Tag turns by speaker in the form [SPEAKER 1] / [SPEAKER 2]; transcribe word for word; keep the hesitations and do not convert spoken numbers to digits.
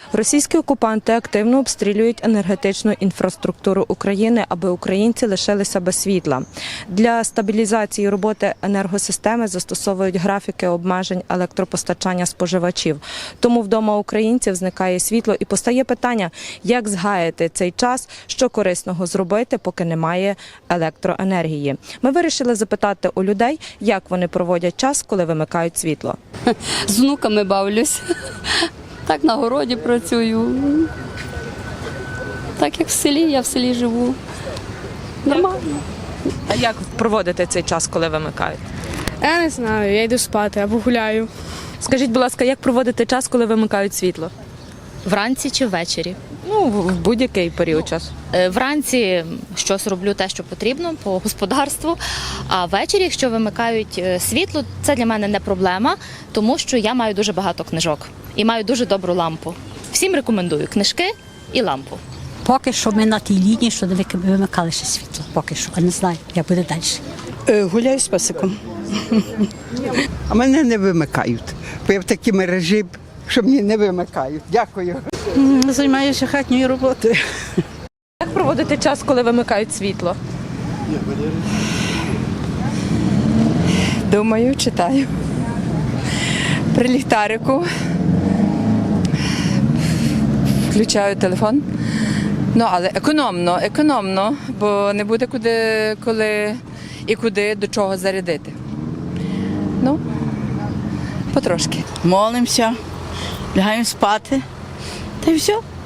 [SPEAKER 1] Російські окупанти активно обстрілюють енергетичну інфраструктуру України, аби українці лишилися без світла. Для стабілізації роботи енергосистеми застосовують графіки обмежень електропостачання споживачів. Тому вдома українців зникає світло і постає питання, як згаяти цей час, що корисного зробити, поки немає електроенергії. Ми вирішили запитати у людей, як вони проводять час, коли вимикають світло.
[SPEAKER 2] З внуками бавлюсь. Так на городі працюю. Так як в селі, я в селі живу. Нормально.
[SPEAKER 1] А як проводите цей час, коли вимикають?
[SPEAKER 3] Я не знаю, я йду спати або гуляю.
[SPEAKER 1] Скажіть, будь ласка, як проводите час, коли вимикають світло?
[SPEAKER 4] Вранці чи ввечері?
[SPEAKER 1] Ну, в будь-який період часу.
[SPEAKER 4] Е, Вранці щось роблю те, що потрібно по господарству, а ввечері, якщо вимикають е, світло, це для мене не проблема, тому що я маю дуже багато книжок і маю дуже добру лампу. Всім рекомендую книжки і лампу.
[SPEAKER 5] Поки що ми на тій лінії, що не вимикали ще світло. Поки що, а не знаю, як буде далі.
[SPEAKER 6] Е, Гуляю з песиком. А мене не вимикають, бо я в такій мережі, що мені не вимикають. Дякую.
[SPEAKER 7] Займаюся хатньою роботою.
[SPEAKER 1] Як проводите час, коли вимикають світло?
[SPEAKER 8] Думаю, читаю. При ліхтарику. Включаю телефон. Ну, але економно, економно, бо не буде куди, коли і куди, до чого зарядити. Ну, потрошки.
[SPEAKER 7] Молимося, лягаємо спати. Та й все.